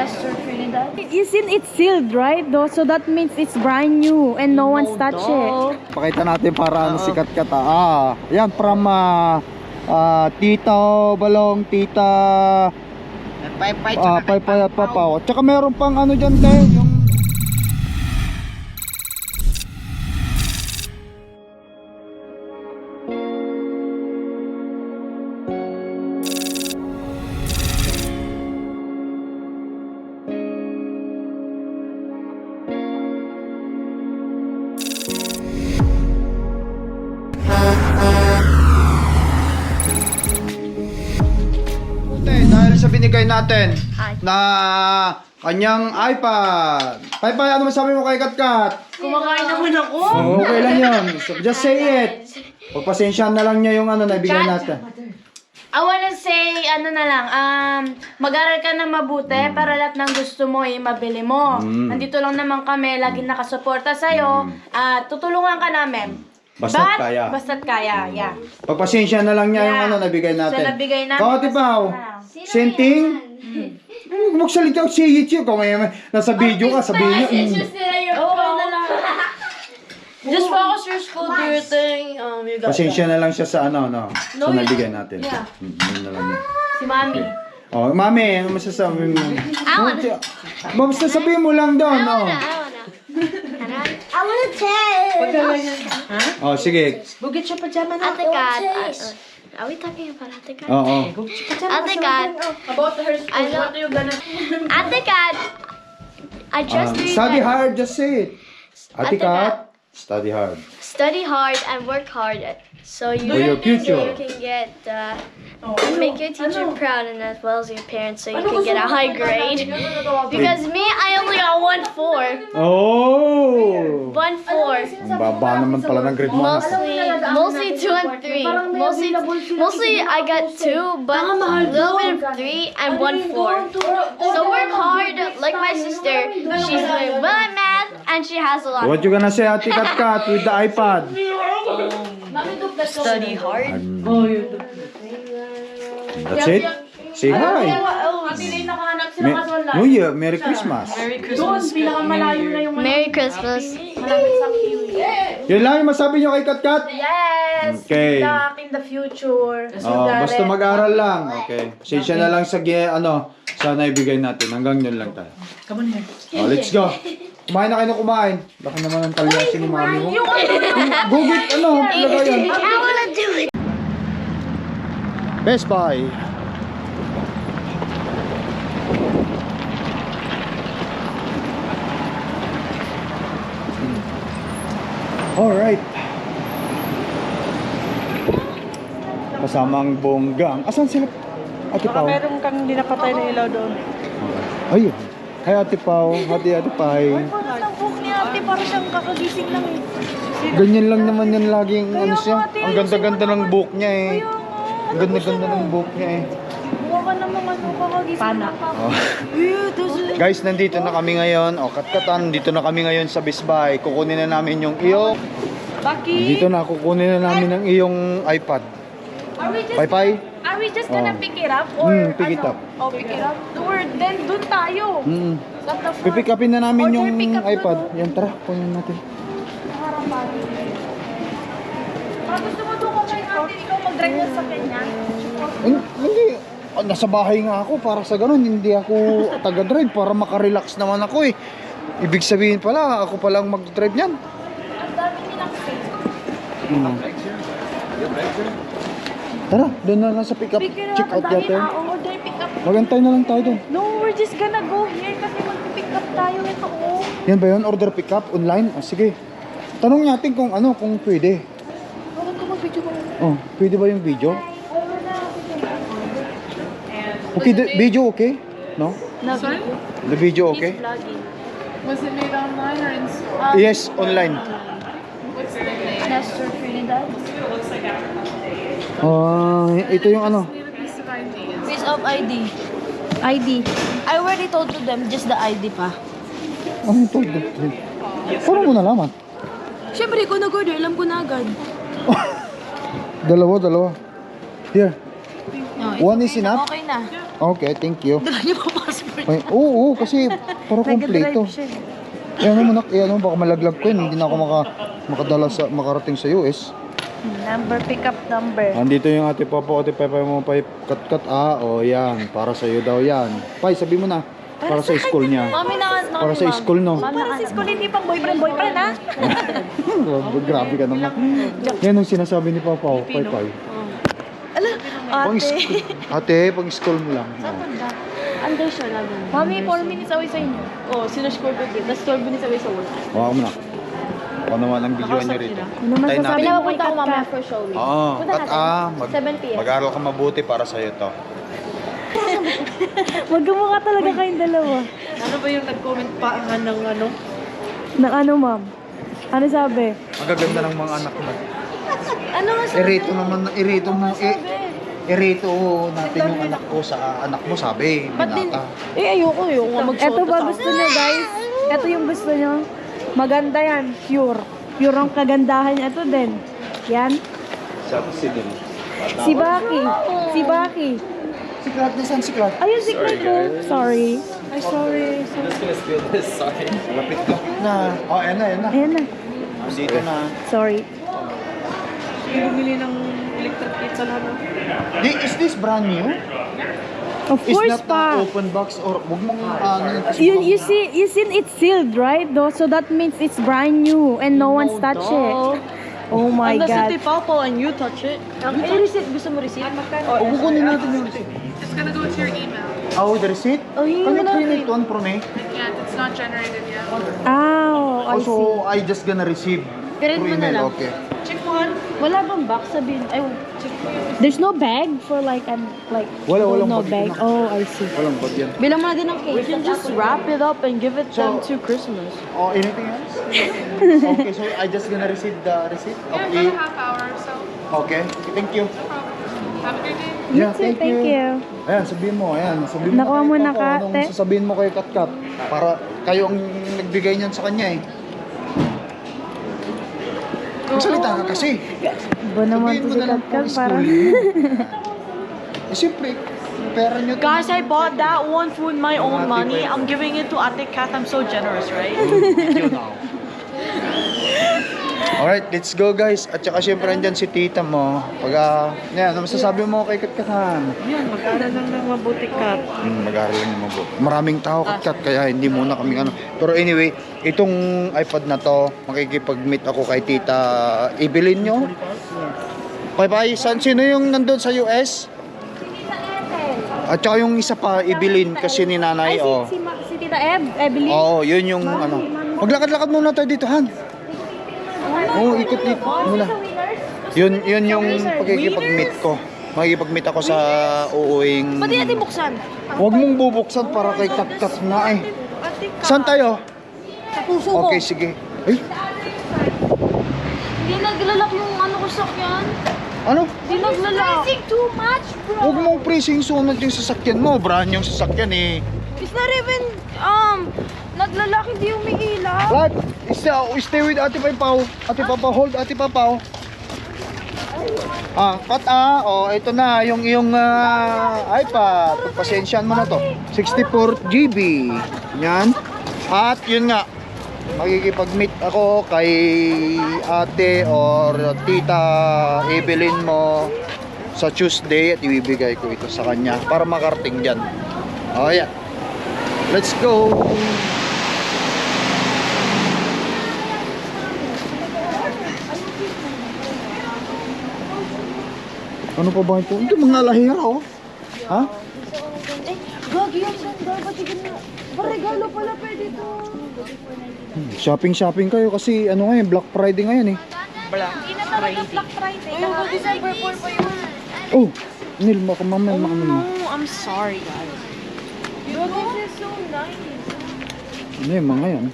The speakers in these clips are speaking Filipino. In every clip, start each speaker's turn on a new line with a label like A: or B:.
A: Nestor Trinidad. You seen it's sealed, right? Though, so that means it's brand new and no one's touched it.
B: Pakita natin para ano si Katkat. Yan from Tita Balong, Tita
C: Pay-pay
B: Pay at Papaw. Tsaka meron pang ano dyan tayo, yung dahil sa binigay natin na kanyang iPad. Pay, ano masabi mo kay Katkat?
A: Kumakain naman ako.
B: Okay lang yun. So, just say it. Pagpasensyahan na lang niya yung ano na ibigay natin.
D: I wanna say, ano na lang, mag-aral ka na mabuti para lahat ng gusto mo mabili mo. Nandito lang naman kami, laging nakasuporta sa'yo. Tutulungan ka namin.
B: Basta't kaya.
D: Basta't kaya, yeah.
B: Pagpasensya na lang niya yung
D: Yeah.
B: ano nabigay natin.
D: So, nabigay namin.
B: Kau, Tipaw. Senting? Magsalita ko si Yichi. Kung may nasa video ka, sabihin niyo.
D: Okay na lang. Just focus your school, do your thing. You got
B: Pasensya na lang siya sa ano, no? Sa nabigay natin.
D: Yeah.
B: Yun na lang yun.
D: Si Mami.
B: Oh, Mami, ano masasabi mo? Basta sabihin mo lang daw, no?
E: I wanna tell.
B: Oh, sige.
A: Bugit siya pajama na.
E: Ate Kat. Are we talking about Ate Kat?
B: Oo.
E: Ate Kat.
D: About her school,
E: I know.
D: what are you gonna...
E: Ate Kat. I just read
B: Study
E: that
B: hard, just say it. Ate
E: Ate Kat.
B: Kat, study hard.
E: study hard and work hard so you
B: For your future.
E: so you can get make your teacher proud and as well as your parents so you can get a high grade. Because me, I only got 1.4.
B: Oh!
E: 1.4.
B: Ang baba naman pala ng grade mo.
E: Mostly 2 and 3. Mostly I got 2, but a little bit of 3 and 1.4. So work hard, like my sister. She's doing well at math and she has a lot.
B: What you gonna say, Ate Katkat, with the iPad?
A: Study hard.
B: That's it? Say hi.
D: Ate Lay, nakahanap sila kaso online.
B: New Year, Merry Christmas.
D: Doon, pinakamalayo na yung
E: Merry Christmas.
D: malapit sa Kiwi.
B: Yun lang yung masabi nyo kay Katkat?
D: Yes!
B: Okay.
D: Good luck in the future.
B: Oh, basta mag-aral lang. Okay. Pasensya na lang sa sana ibigay natin. Hanggang yun lang tayo.
A: Come on here.
B: Oh, let's go. Kumain na kayo na kumain. Baka naman ang talyasin ni mami mo. Gugit, ano? Lagayan.
E: I wanna do it.
B: Best Buy. Alright. Kasama ang bonggang. Asan sila? Ate Pao?
A: Meron kang dinapatay na ilaw doon.
B: Ayun. Hi Ate Pao. Ate Pai.
A: Parang ang buhok ni ate, parang siyang kakagising lang eh.
B: Ganyan lang naman yan laging ano siya. Ang ganda-ganda ng buhok niya eh. Ang ganda-ganda ng buhok niya eh.
A: Buha ka namang ano, kakagising. Pana.
B: Oh. Guys, nandito na kami ngayon. O, katkatan, dito na kami ngayon sa Best Buy. Kukunin na namin yung iyong...
A: Baki!
B: Dito na, kukunin na namin ang iyong iPad. Pai-pai?
D: Are we just gonna
B: Oh.
D: pick it up? Or
B: Pick it up.
D: Oh, pick it up? Or then, dun tayo. At the front.
B: Pipick upin na namin
D: Order
B: yung
D: pick up na
B: iPad.
D: to.
B: Yan, tara, kunin natin.
D: Gusto mo doon kay ate, ikaw mag-drive na sa kanya?
B: Hindi. Nasa bahay nga ako para sa ganun. Hindi ako taga-drive para makarelax naman ako eh. Ibig sabihin pala, ako palang mag-drive niyan.
D: Ang dami nilang space.
B: Tara, doon na lang sa pick up.
D: Pick it up.
B: Check out
D: Ang dami
B: natin.
D: na. Order pick up.
B: Magantay na lang tayo doon.
D: No, we're just gonna go here kasi mag-pick up tayo. Ito, oh.
B: Yan ba yun? Order pick up online? Sige. Tanong natin kung ano, kung pwede.
D: Bakit ko mag-video ba?
B: Oh, pwede ba yung video? Okay, the video okay? No?
D: Sorry?
B: The video okay?
D: Vlogging.
F: Was it made online or in store?
B: Yes, online.
F: What's the name?
D: Nestor Trinidad.
F: It looks like after.
B: Ito yung ano.
F: Need a piece of ID.
A: Piece of ID. ID. I already told to them, just the ID pa.
B: Ano ito? Paano mo nalaman?
A: Siyempre, kung nag-order, alam ko na agad.
B: Dalawa. Here.
A: No,
B: One is enough?
A: Okay na.
B: Okay, thank you.
A: Dala niyo papasok.
B: Ay, oo, kasi para kompleto.
A: Nag-drive siya.
B: Ayan mo, ayan mo, baka malaglag ko yun. Hindi na ako makarating sa US.
A: Number, pick up number.
B: Andito yung ate Papa mo pa kat-kat. O yan, para sa'yo daw yan. Pai, sabi mo na. Para sa school niya.
E: Mami,
B: Para sa school, no?
A: Para sa school, hindi pang boyfriend, ha?
B: Grabe ka naman. Yan ang sinasabi ni Papa, Pai. Ate, pang school mo lang.
E: Under siya lang.
A: Mami, 4 minutes away sa inyo.
E: Oh, sinushcore ko din. Tapos 12 minutes away sa work.
B: Hawa mo na. Ako naman ang video nyo rito.
A: Ano naman
B: Tayo
A: sasabi
B: natin.
A: mo kay
E: Pinapunta ko
A: Kat
E: mamaya
A: Kat?
E: for showing.
B: Oo,
E: Punta natin. 7 p.m.
B: Mag-aaral ka mabuti para sa'yo to.
A: Magkamukha talaga kayong dalawa.
F: Ano ba yung nag-comment pa ng ano?
A: Ng ano, ma'am? Ano sabi?
B: Ang gaganda ng mga anak mo.
A: Ano nga
B: Irito natin yung anak ko sa anak mo, sabi. Binata.
E: Ayoko nga
A: Ito ba gusto niyo, guys? Ito yung gusto niyo. Maganda yan. Pure. Pure ang kagandahan niya. Ito din. Yan. Si Baki. Si Baki.
B: Siklat, nasan siklat?
A: Ayun, secret ko. Sorry. Ay, sorry.
B: Lapit-lapit na. Oh, ayan na.
A: Ayan na.
B: Dito na.
A: Sorry.
F: Bumili ng electric pizza lang.
B: Is this brand new?
A: Of
B: Is
A: course
B: not
A: pa.
B: open box or wag mong ano kasi
A: You see it's sealed, right? Though, so that means it's brand new and no one's touched it. Oh my God.
E: Papa and you touch it. Receipt. Gusto mo receipt?
B: kukunin natin yung receipt.
F: It's gonna go to your email.
B: Oh, the receipt?
E: Oh, yun
B: Can you
E: na.
B: print it one for me?
F: Yeah, it's not generated yet.
A: Oh, I see.
B: Also, I just gonna receive
E: Print
B: through
E: mo na
B: email.
E: lang.
B: Okay.
F: Check mo nga.
E: Wala bang box sabihin? Ay, check mo yun.
A: There's no bag for like
B: Walang
A: no
B: bag.
A: bag. Oh, I see.
B: Walang bag yan.
E: Bilang mo na din ng cake. We can just wrap it up and give it
B: So-
E: them to Christmas.
B: Oh, anything else? Okay, so I just gonna receive the receipt.
F: Yeah,
B: Okay.
F: about a half hour or so.
B: Okay. Thank you.
F: No problem. Have a good day.
A: You too, thank you.
B: Ayan, sabihin mo, sabihin mo.
A: Nakuha
B: kay
A: mo na,
B: Papa,
A: Kate.
B: Anong sasabihin mo kay Katkat? Para kayo ang nagbigay niyan sa kanya eh. Magsalita ka kasi.
A: Ba naman
B: Sabihin
A: to
B: mo
A: si
B: na lang
A: Katkat
B: kung
A: para.
B: school Eh, siyempre, pera niyo.
C: Guys, I bought that one food my own money. I'm giving it to Ate Kat. I'm so generous, right?
B: Video now. Alright, let's go guys. At saka siyempre andyan si tita mo. Pag, yan, ano masasabi mo kay Katkat?
C: Yan, mag-aaral lang ng mabuti, Kat.
B: Mag-aaral lang mabuti. Maraming tao Katkat, kaya hindi muna kami ano. Pero anyway, itong iPad na to, makikipag-meet ako kay tita Evelyn nyo. Bye-bye. Sino yung nandun sa US? At saka yung isa pa, Evelyn, kasi ni nanay, oh.
A: Si Tita Evelyn.
B: Oo, yun yung ano. Maglakad-lakad muna tayo dito, Han. Oo, ikot-ikot muna. Yun yung pagkikipag-meet ko. Makikipag-meet ako sa uuwing...
E: Pwede natin buksan.
B: Huwag mong bubuksan para kay Katkat nga eh. Saan tayo?
E: Sa puso ko.
B: Okay, sige. Ay,
E: Hindi naglalak yung ano ko sakyan.
B: ano?
E: Hindi naglalak. Pricing too much, bro.
B: Huwag mong pressing sunod yung sasakyan mo. Brand yung sasakyan eh.
E: It's not even, naglalak, hindi umiilaw.
B: What? Stay with Ate Pau. Ate Papa, hold Ate Papa. Oh, ito na yung iyong iPad. Pasensyahan mo na to. 64 GB. Yan. At yun nga, makikipag-meet ako kay ate or tita Evelyn mo sa Tuesday at ibibigay ko ito sa kanya para makarating dyan. Oh, yeah. Let's go. Ano pa ba ito? Ito mga lahira, oh. Ha?
E: Gagi yung sandal, ba't hindi mo? Regalo pala pwede to.
B: Shopping kayo kasi ano ngayon, Black Friday ngayon eh.
E: Hindi na talaga Black Friday. Ayun ba, December 4 pa yun.
B: Oh, Nil, makamamay,
C: No, I'm sorry, guys.
E: Bro, this is so nice.
B: Ano yung mga yan?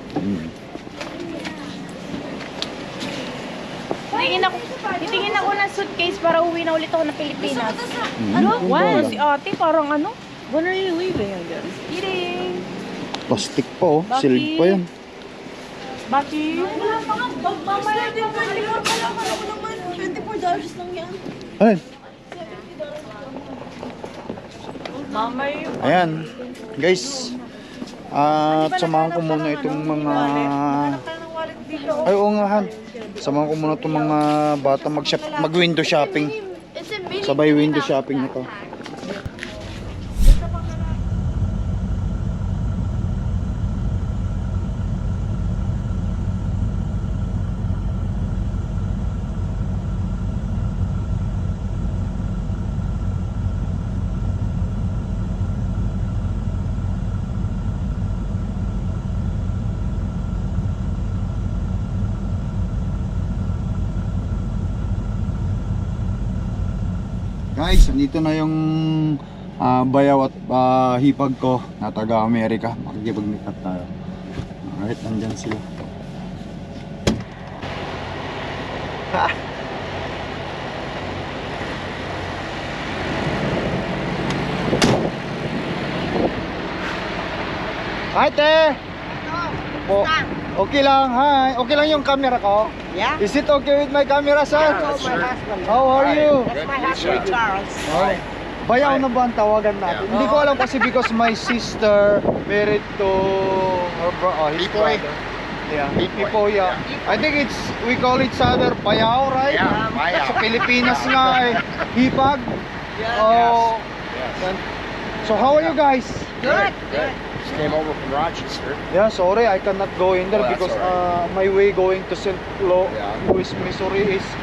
A: Titingin ako ng suitcase para uwi na ulit ako ng Pilipinas.
B: Ano?
A: Wow, si ate parang ano?
C: When are you leaving again?
A: Kidding.
B: Plastic pa oh, silk pa yan.
A: Baki.
E: Wala pa nga, mamaya din 24 pa lang. Alam ko naman, $24 lang yan.
B: Ay,
C: Mama, you
B: Ayan, guys. At samahan ko muna itong mga... Ay, oo nga, Han. Samahan ko muna itong mga bata mag-window shopping.
E: It's a mini.
B: Sabay window shopping na to. Guys, nandito na yung bayaw at hipag ko na taga Amerika. Makikipag-meet up tayo. Alright, nandyan sila. Hi, te! Po, okay lang, hi. Okay lang yung camera ko?
G: Yeah?
B: Is it okay with my camera, sir?
G: That's my husband.
B: How are you?
G: That's my husband, Charles.
B: Oh. Bayaw na ba ang tawagan natin? Hindi ko alam kasi because my sister married to his
H: Pipoy.
B: brother. Yeah, Pipoy, yeah. I think we call each other bayaw, right?
H: Yeah, bayaw.
B: Sa Pilipinas nga eh. Hipag.
G: Yeah.
B: Oh.
H: Yes.
B: So how are you guys?
G: Good.
H: Good. Just came over from Rochester.
B: Yeah, sorry, I cannot go in there
H: Oh, that's
B: because
H: alright.
B: my way going to St. Louis, Missouri is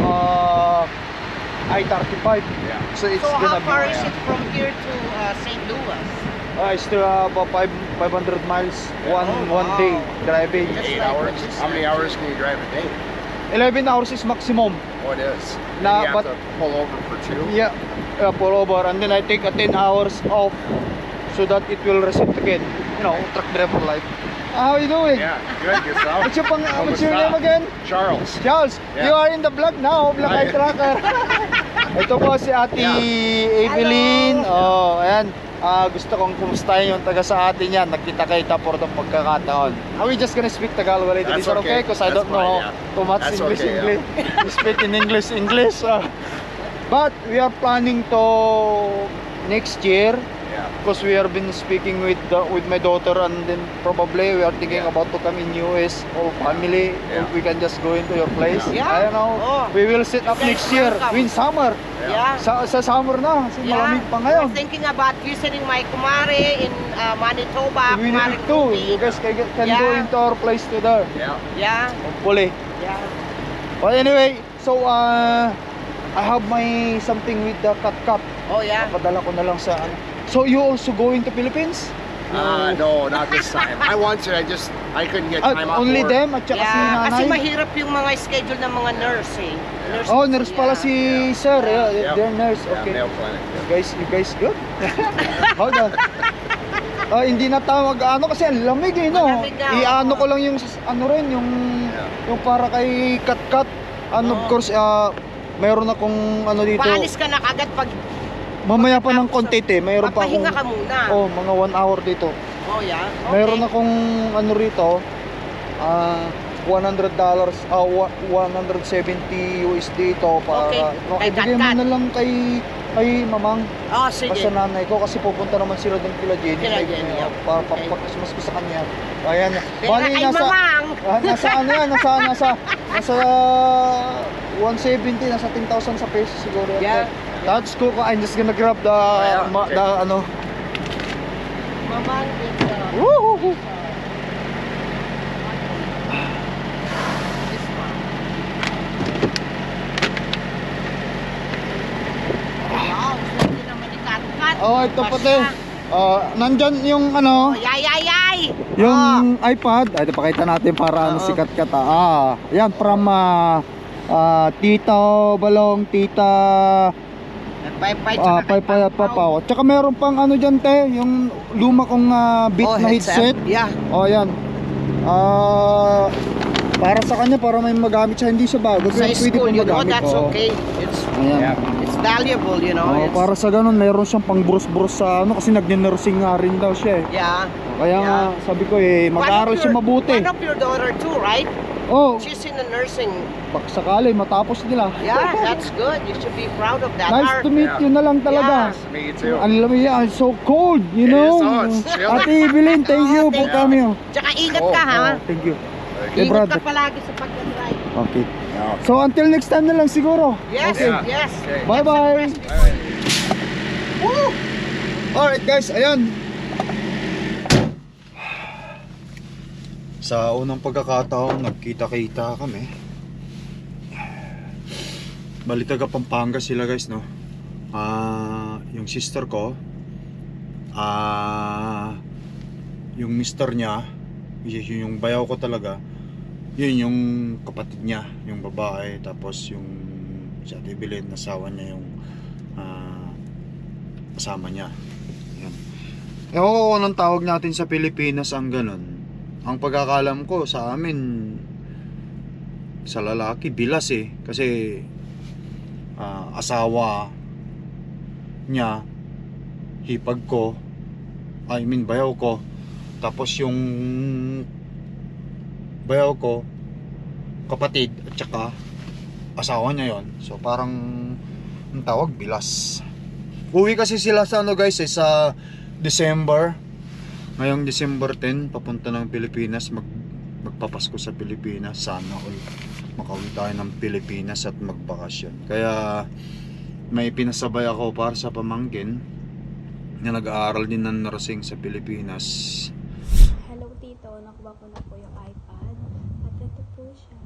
B: I-35.
H: Yeah.
B: So it's
G: So
B: gonna
G: how far
B: be
G: is it from here to St. Louis?
B: still about 500 miles one
G: wow.
B: day driving.
H: 8 hours. How many hours can you drive a day?
B: 11 hours is maximum.
H: Oh, it is.
B: Nah,
H: you have
B: but-
H: to pull over for 2.
B: Yeah, pull over and then I take a 10 hours off so that it will reset again. You know, truck driver life. How are you doing?
H: Yeah, good. Yourself?
B: What's your name again?
H: Charles.
B: Charles,
H: Yeah.
B: you are in the vlog now, Black Eye Tracker. Ito po si Ate Evelyn. Oh, ayan. Gusto kong kumustahin yung taga sa atin yan. Nagkita-kita for the pagkakataon. Are we just gonna speak Tagalog a little bit?
H: That's okay.
B: Because I
H: That's
B: don't know
H: fine, yeah.
B: too much
H: That's
B: English.
H: okay,
B: English. We speak in English. But we are planning to next year.
H: Yeah.
B: Because we have been speaking with my daughter, and then probably we are thinking about to come in US or family.
H: Yeah.
B: We can just go into your place.
G: Yeah.
B: I don't know.
G: Oh.
B: We will set up
G: You guys
B: next year.
G: welcome.
B: In summer.
G: Yeah.
B: Sa summer na. Kasi malamig pa ngayon.
G: We're thinking about visiting my kumare in Manitoba.
B: We
G: Kumare
B: need to.
G: Ruby.
B: You guys can go
G: Yeah.
B: into our place to there.
H: Yeah.
G: Yeah.
B: Hopefully.
G: Yeah.
B: But anyway, so I have my something with the cut.
G: Oh yeah.
B: Padala ko na lang sa ano. So you also going to Philippines?
H: No, not this time. I want to. I couldn't get time off
B: Only
H: work.
B: them at saka si
G: Yeah.
B: nanay?
G: Kasi mahirap yung mga schedule ng mga nurse eh.
B: Oh, nurse pala si sir. Yeah,
H: Yep.
B: they're nurse.
H: Yeah,
B: Okay.
H: Mayo Clinic. Yeah.
B: You guys good? Hold on. Hindi na tawag ano kasi ang lamig eh, no?
G: Malamig na,
B: Iano
G: oo.
B: ko lang yung ano rin yung yung para kay cut. Ano of course mayroon akong ano dito.
G: Paalis ka na kagad pag
B: Mamaya pa ng konti mayroon pa akong
G: papahinga ka muna.
B: oh, mga 1 hour dito.
G: Oh yeah. Okay.
B: Mayroon akong ano rito $100 170 USD ito para
G: Okay, kay
B: ibigay mo
G: Kat-Kat.
B: na lang kay mamang.
G: Oh, sige.
B: Basta nanay ko kasi pupunta naman sila doon kila Jenny.
G: Kila Jenny, yeah.
B: Para
G: Okay.
B: papakasmas ko sa kanya. Ayan.
G: Pera kay mamang.
B: Nasa ano yan, nasa 170, nasa 10,000 sa peso siguro.
G: Yeah.
B: That's cool. I'm just gonna grab the
H: yeah, okay.
B: the ano.
G: Mamang is
B: Woo!
G: wow, swerte naman ni Kat-Kat.
B: Oh, ito
G: Pasya.
B: pati. Nandyan yung ano,
G: Oh, yay!
B: yung iPad. Ay, pakita natin para ano si Kat-Kat. Yan from Tita Balong, Tita
G: Pay-pay
B: Papaw. Tsaka meron pang ano dyan te, yung luma kong beat na headset.
G: Yeah.
B: Oh, yan. Para sa kanya, para may magamit siya, hindi siya bago.
G: Sa
B: Pero pwede
G: school,
B: pong
G: you know,
B: magamit.
G: that's
B: Oo.
G: okay.
B: Ayan.
G: It's valuable, you know.
B: Oh,
G: It's,
B: para sa ganun, meron siyang pang brus-brus sa ano kasi nagne-nursing nga rin daw siya eh.
G: yeah.
B: Kaya nga, sabi ko mag-aaral siya mabuti.
G: One of your daughter too, right?
B: Oh,
G: She's in the nursing.
B: bak sakali matapos nila.
G: Yeah, that's good. You should be proud of that.
B: Nice to meet you na lang talaga.
H: Nice to meet you too.
B: Ang lamig yan, so cold, you
H: It
B: know.
H: is, oh, it's chilly.
B: Ate Evelyn, thank you for coming.
G: Tsaka ingat ka, ha?
B: Thank you. Hey,
G: Ingat ka
B: brother.
G: palagi sa pag-drive.
B: Okay. So until next time na lang siguro.
G: Yes,
H: Yeah.
G: yes.
H: Okay.
B: Bye-bye. Woo! Alright guys, ayan. Sa unang pagkakataon, nagkita-kita kami. Bali taga Pampanga sila guys, no? Yung sister ko, yung mister niya, yung bayaw ko talaga, yun yung kapatid niya, yung babae, tapos yung si Ate Evelyn, asawa niya yung kasama niya. Yan. Ewan ko kung anong tawag natin sa Pilipinas ang ganun. Ang pagkakalam ko sa amin, sa lalaki, bilas eh. Kasi asawa niya, hipag ko, bayaw ko. Tapos yung bayaw ko, kapatid, at saka asawa niya yon. So parang ang tawag, bilas. Uwi kasi sila sa ano guys, sa December. Ngayong December 10, papunta ng Pilipinas, magpapasko sa Pilipinas. Sana all makauwi tayo ng Pilipinas at magbakasyon. Kaya may pinasabay ako para sa pamangkin na nag-aaral din ng nursing sa Pilipinas.
I: Hello tito, nakuha ko na po yung iPad. At ito po siya.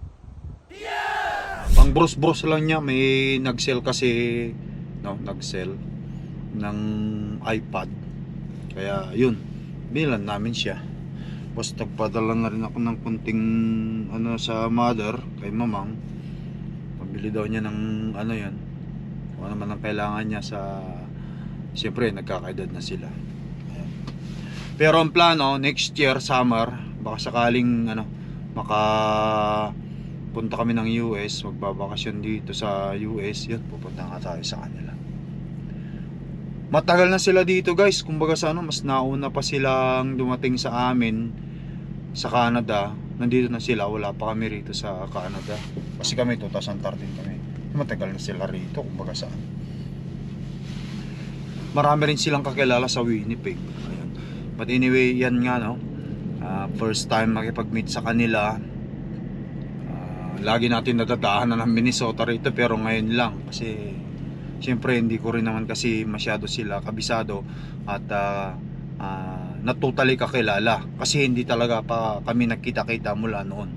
B: Pang bros-bros lang niya, may nag-sell kasi, no, nag-sell ng iPad. Kaya yun, bilan namin siya. Tapos nagpadala na rin ako ng kunting ano sa mother, kay mamang. Pabili daw niya ng ano yan, kung ano man ang kailangan niya sa, siyempre nagkakaedad na sila. Ayan. Pero ang plano, next year summer, baka sakaling ano, punta kami ng US, magbabakasyon dito sa US, yun, pupunta nga tayo sa kanila. Matagal na sila dito guys, kumbaga sa ano, mas nauna pa silang dumating sa amin sa Canada. Nandito na sila, wala pa kami rito sa Canada. Kasi kami 2013 kami. Matagal na sila rito, kumbaga saan. Marami rin silang kakilala sa Winnipeg. Ayan. But anyway, yan nga no. First time makipag-meet sa kanila. Lagi natin nadadaanan ng Minnesota rito, pero ngayon lang kasi siyempre hindi ko rin naman kasi masyado sila kabisado at natutally kakilala kasi hindi talaga pa kami nagkita-kita mula noon.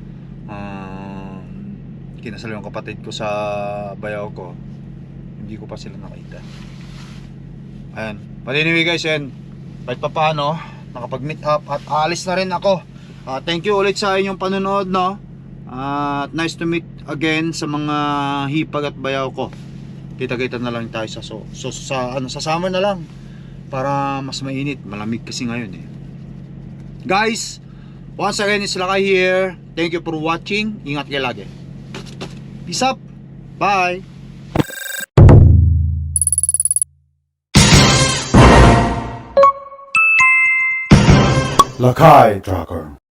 B: Kinasal yung kapatid ko sa bayaw ko, hindi ko pa sila nakita. Ayan, but anyway guys, yan, kahit pa paano nakapag-meet up at alis na rin ako. Thank you ulit sa inyong panonood, no? Nice to meet again sa mga hipag at bayaw ko. Kita-kita na lang tayo sa summer na lang para mas mainit, malamig kasi ngayon eh. Guys, once again it's Lakay here. Thank you for watching. Ingat kayo lagi. Peace up. Bye.
J: Lakay Tracker.